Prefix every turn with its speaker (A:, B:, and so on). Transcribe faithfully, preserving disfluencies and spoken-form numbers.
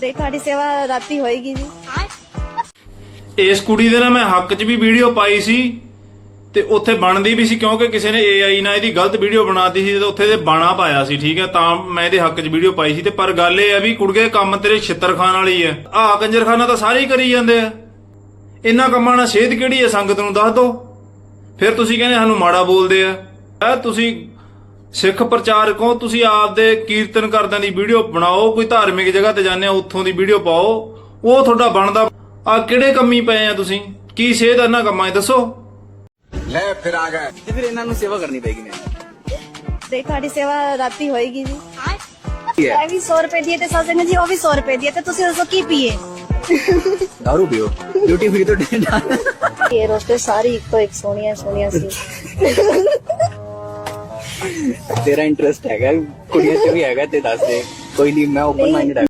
A: ਤੇ ਤੁਹਾਡੀ ਸੇਵਾ ਰਾਤੀ ਹੋਏਗੀ ਜੀ।
B: ਇਸ ਕੁੜੀ ਦੇ ਨਾ ਮੈਂ ਹੱਕ 'ਚ ਵੀ ਵੀਡੀਓ ਪਾਈ ਸੀ ਤੇ ਉੱਥੇ ਬਣਦੀ ਵੀ ਸੀ ਕਿਉਂਕਿ ਕਿਸੇ ਨੇ ਏ ਆਈ ਨਾਲ ਇਹਦੀ ਗਲਤ ਵੀਡੀਓ ਬਣਾਤੀ ਸੀ ਤੇ ਉੱਥੇ ਦੇ ਬਾਣਾ ਪਾਇਆ ਸੀ, ਠੀਕ ਹੈ, ਤਾਂ ਮੈਂ ਇਹਦੇ ਹੱਕ 'ਚ ਵੀਡੀਓ ਪਾਈ ਸੀ। ਤੇ ਪਰ ਗੱਲ ਇਹ ਆ ਵੀ ਕੁੜਗੇ ਕੰਮ ਤੇਰੇ ਛਿੱਤਰ ਖਾਣ ਵਾਲੀ ਹੈ। ਆਹ ਕੰਜਰਖਾਨਾ ਤਾਂ ਸਾਰੇ ਹੀ ਕਰੀ ਜਾਂਦੇ ਆ। ਇੰਨਾ ਕੰਮਾਂ ਨਾਲ ਸੇਧ ਕਿਹੜੀ ਹੈ ਸੰਗਤ ਨੂੰ ਦੱਸ ਦੋ। ਫਿਰ ਤੁਸੀਂ ਕਹਿੰਦੇ ਸਾਨੂੰ ਮਾੜਾ ਬੋਲਦੇ ਆ। ਤੁਸੀਂ ਸਿੱਖ ਪ੍ਰਚਾਰਕ ਹੋ, ਤੁਸੀਂ ਆਪਦੇ ਕੀਰਤਨ ਕਰਦਿਆਂ ਦੀ ਵੀਡੀਓ ਬਣਾਓ, ਕੋਈ ਧਾਰਮਿਕ ਜਗ੍ਹਾ ਤੇ ਜਾਂਦੇ ਆ ਉੱਥੋਂ ਦੀ ਵੀਡੀਓ ਪਾਓ, ਉਹ ਤੁਹਾਡਾ ਬਣਦਾ। ਆ ਕਿਹੜੇ ਕੰਮੀ ਪਏ ਆ ਤੁਸੀਂ? ਕੀ ਸੇਧ ਇਹਨਾਂ ਕੰਮਾਂ 'ਚ ਦੱਸੋ।
C: ਲੈ ਫਿਰ ਆ ਗਏ
D: ਤੇ ਫਿਰ ਇਹਨਾਂ ਨੂੰ ਸੇਵਾ ਕਰਨੀ ਪੈਗੀ ਮੈਨੂੰ।
A: ਤੇ ਤੁਹਾਡੀ ਸੇਵਾ ਰਾਤੀ ਹੋਏਗੀ ਜੀ।
D: ਕੀ ਹੈ
A: ਇਹ ਵੀ ਸੌ ਰੁਪਏ ਦੀ ਹੈ ਤੇ ਸਾਜਨ ਜੀ ਉਹ ਵੀ ਸੌ ਰੁਪਏ ਦੀ ਹੈ ਤੇ ਤੁਸੀਂ ਦੱਸੋ ਕੀ ਪੀਏ।
D: दारू पियो, ड्यूटी फ्री तो डिनर।
A: ਇਹ ਰੋਸਟਰ ਸਾਰੀ ਇੱਕੋ ਇੱਕ ਸੋਹਣੀਆਂ ਸੋਹਣੀਆਂ ਸੀ।
D: तेरा इंटरेस्ट हैगा कुड़ियां च भी हैगा ते दस दे, कोई नहीं, मैं ओपन माइंडेड।